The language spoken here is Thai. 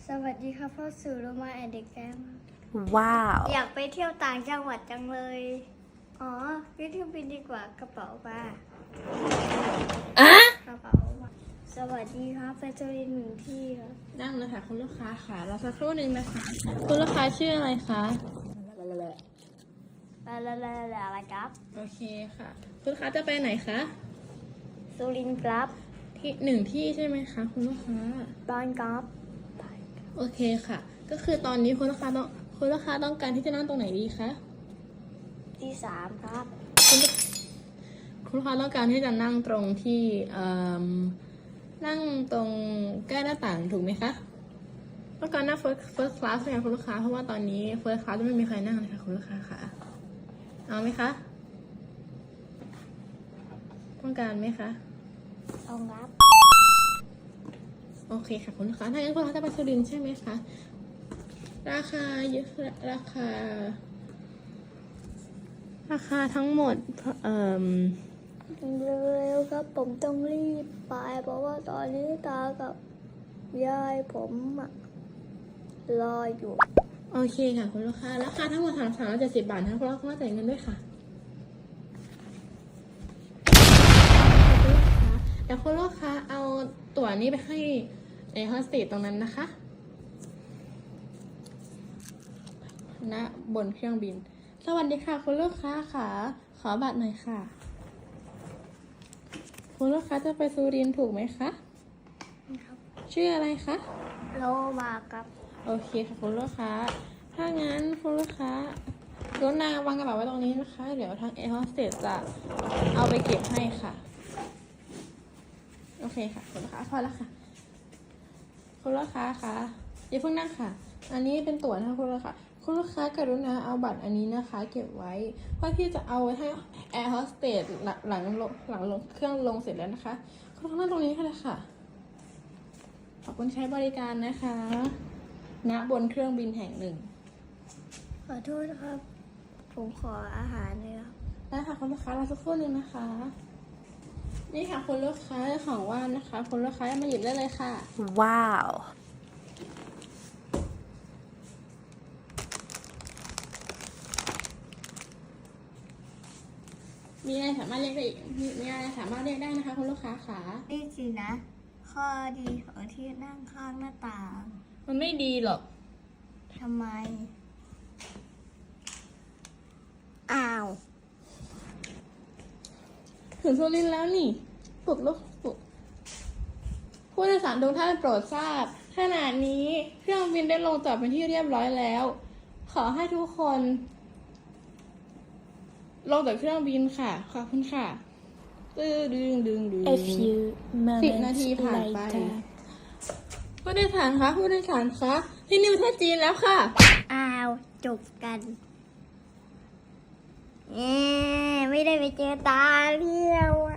สวัสดีครับพ่อสื่อโรมาแอนเด็กแกมว้าวอยากไปเที่ยวต่างจังหวัดจังเลยอ๋อขึ้นเครื่องบินดีกว่ากระเป๋าป่ะอ่ะกระเป๋าป่ะสวัสดีครับไปจรินหนึ่งที่ครับนั่งเลยค่ะคุณลูกค้าค่ะรอสักครู่หนึ่งนะคะคุณลูกค้าชื่ออะไรคะอะไรครับโอเคค่ะคุณลูกค้าจะไปไหนคะสุรินทร์ครับที่หนึ่งที่ใช่ไหมคะคุณลูกค้าบ้านครับโอเคค่ะ ก็คือตอนนี้คุณลูกค้าต้องการที่จะนั่งตรงไหนดีคะที่สามครับคุณลูกค้าต้องการที่จะนั่งตรงที่นั่งตรงใกล้หน้าต่างถูกไหมคะต้องการนั่ง first class ไหมคะคุณลูกค้าเพราะว่าตอนนี้ first class จะไม่มีใครนั่งเลยค่ะคุณลูกค้าค่ะเอาไหมคะต้องการไหมคะเอาครับโอเคค่ะคุณลูกค้าถ้างั้นคุณลูกค้าจะไปสุรินทร์ใช่ไหมคะราคาเยอะราคาทั้งหมดเร็วๆครับผมต้องรีบไปเพราะว่าตอนนี้ตากับยายผมรออยู่โอเคค่ะคุณลูกค้าราคาทั้งหมด370 บาทนะคะคุณลูกค้าจ่ายเงินด้วยค่ะเดี๋ยวคุณลูกค้าเอาตั๋วนี้ไปให้ในโฮสเตสตรงนั้นนะคะณบนเครื่องบินสวัสดีค่ะคุณลูกค้าค่ะขอบัตรหน่อยค่ะคุณลูกค้าจะไปสุรินทร์ถูกไหมคะครับชื่ออะไรคะโลมาครับโอเคค่ะคุณลูกค้าถ้างั้นคุณลูกค้ากรุณาวางกระเป๋าไว้ตรงนี้นะคะ เดี๋ยวทางแอร์โฮสเตสจะเอาไปเก็บให้ค่ะโอเคค่ะคุณลูกค้าพอแล้วค่ะคุณลูกค้าคะอย่าเพิ่งนั่งค่ะ อันนี้เป็นตั๋วนะคะคุณลูกค้ากรุณาเอาบัตรอันนี้นะคะ เก็บไว้เพื่อที่จะเอาไว้ให้แอร์โฮสเตสหลังลงเครื่องลงเสร็จแล้วนะคะคุณลูกค้านั่งตรงนี้ค่ะเลยค่ะขอบคุณใช้บริการนะคะณบนเครื่องบินแห่งหนึ่งขอโทษนะครับ ผมขออาหารเลยครับได้ค่ะคุณลูกค้ารอสักครู่หนึ่งนะคะ นี่ค่ะคุณลูกค้าของว่างนะคะคุณลูกค้ามาหยิบได้เลยค่ะว้าวมีอะไรสามารถเรียกได้อีกมีอะไรสามารถเรียกได้นะคะคุณลูกค้าค่ะนี่สินะ ข้อดีของที่นั่งข้างหน้าต่างมันไม่ดีหรอกทำไม อ้าวถึงสุรินทร์แล้วนี่ปลุกผู้โดยสารทุกท่านโปรดทราบขณะนี้เครื่องบินได้ลงจอดเป็นที่เรียบร้อยแล้ว ขอให้ทุกคน ลงจากเครื่องบินค่ะขอบคุณค่ะดึง A few 10 นาที moments ผ่านไป later ผู้โดยสารคะที่นิวประเทศจีนแล้วค่ะอ้าว จบกันไม่ได้ไปเจอตาเรียว